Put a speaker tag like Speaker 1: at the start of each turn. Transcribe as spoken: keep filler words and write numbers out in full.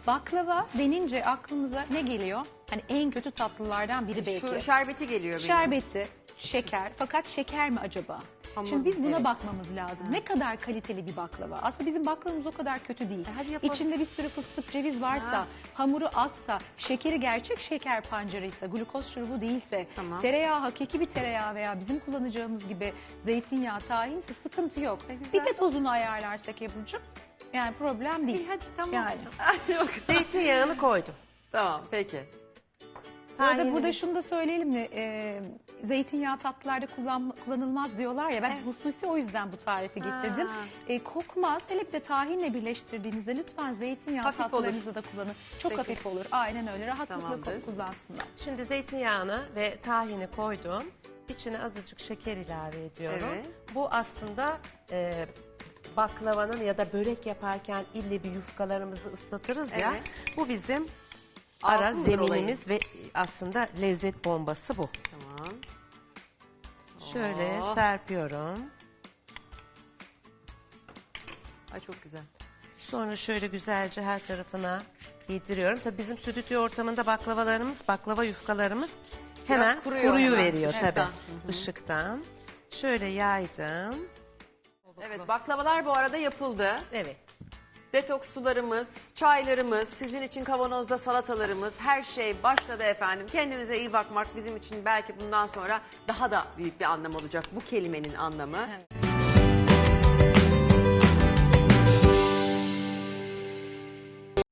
Speaker 1: baklava denince aklımıza ne geliyor? Hani en kötü tatlılardan biri belki.
Speaker 2: Şu şerbeti geliyor benim.
Speaker 1: Şerbeti, şeker. Fakat şeker mi acaba?
Speaker 2: Hamur,
Speaker 1: Şimdi biz buna
Speaker 2: evet.
Speaker 1: bakmamız lazım. Ne kadar kaliteli bir baklava? Aslında bizim baklavamız o kadar kötü değil.
Speaker 2: E hadi yapalım.
Speaker 1: İçinde bir sürü fıstık, ceviz varsa,
Speaker 2: Ha.
Speaker 1: hamuru azsa, şekeri gerçek şeker pancarıysa, glukoz şurubu değilse,
Speaker 2: Tamam.
Speaker 1: tereyağı hakiki bir tereyağı veya bizim kullanacağımız gibi zeytinyağı, tahinse sıkıntı yok.
Speaker 2: Ne güzel.
Speaker 1: Bir de dozunu ayarlarsak Ebru'cum, yani problem değil.
Speaker 2: İyi, hadi tamam.
Speaker 1: Yani.
Speaker 2: Hadi bakalım.
Speaker 3: Zeytinyağını koydum.
Speaker 2: Tamam peki.
Speaker 1: Burada,
Speaker 3: Tahinini-
Speaker 1: burada şunu da söyleyelim mi? Ee, zeytinyağı tatlılarda kullan, kullanılmaz diyorlar ya. Ben
Speaker 2: Evet.
Speaker 1: hususi o yüzden bu tarifi
Speaker 2: Ha.
Speaker 1: getirdim. Ee, kokmaz. Hele bir de tahinle birleştirdiğinizde lütfen zeytinyağı
Speaker 2: Hafif
Speaker 1: tatlılarınızda da kullanın. Çok
Speaker 2: Peki.
Speaker 1: hafif olur. Aynen öyle. Rahatlıkla
Speaker 2: Tamamdır.
Speaker 1: kullansınlar.
Speaker 3: Şimdi zeytinyağını ve tahini koydum. İçine azıcık şeker ilave ediyorum.
Speaker 2: Evet.
Speaker 3: Bu aslında e, baklavanın ya da börek yaparken ille bir yufkalarımızı ıslatırız ya.
Speaker 2: Evet.
Speaker 3: Bu bizim ara
Speaker 2: Altın olayı.
Speaker 3: zeminimiz ve aslında lezzet bombası bu.
Speaker 2: Tamam.
Speaker 3: Şöyle
Speaker 2: Oh.
Speaker 3: serpiyorum.
Speaker 2: Ay çok güzel.
Speaker 3: Sonra şöyle güzelce her tarafına yediriyorum. Tabii bizim stüdyo ortamında baklavalarımız, baklava yufkalarımız hemen
Speaker 2: kuruyor
Speaker 3: kuruyu
Speaker 2: hemen.
Speaker 3: veriyor tabii.
Speaker 2: Işıktan. Hı hı.
Speaker 3: Işıktan. Şöyle yaydım.
Speaker 2: Evet baklavalar bu arada yapıldı.
Speaker 3: Evet.
Speaker 2: Detoks sularımız, çaylarımız, sizin için kavanozda salatalarımız, her şey başladı efendim. Kendimize iyi bakmak bizim için belki bundan sonra daha da büyük bir anlam olacak bu kelimenin anlamı.
Speaker 1: Evet.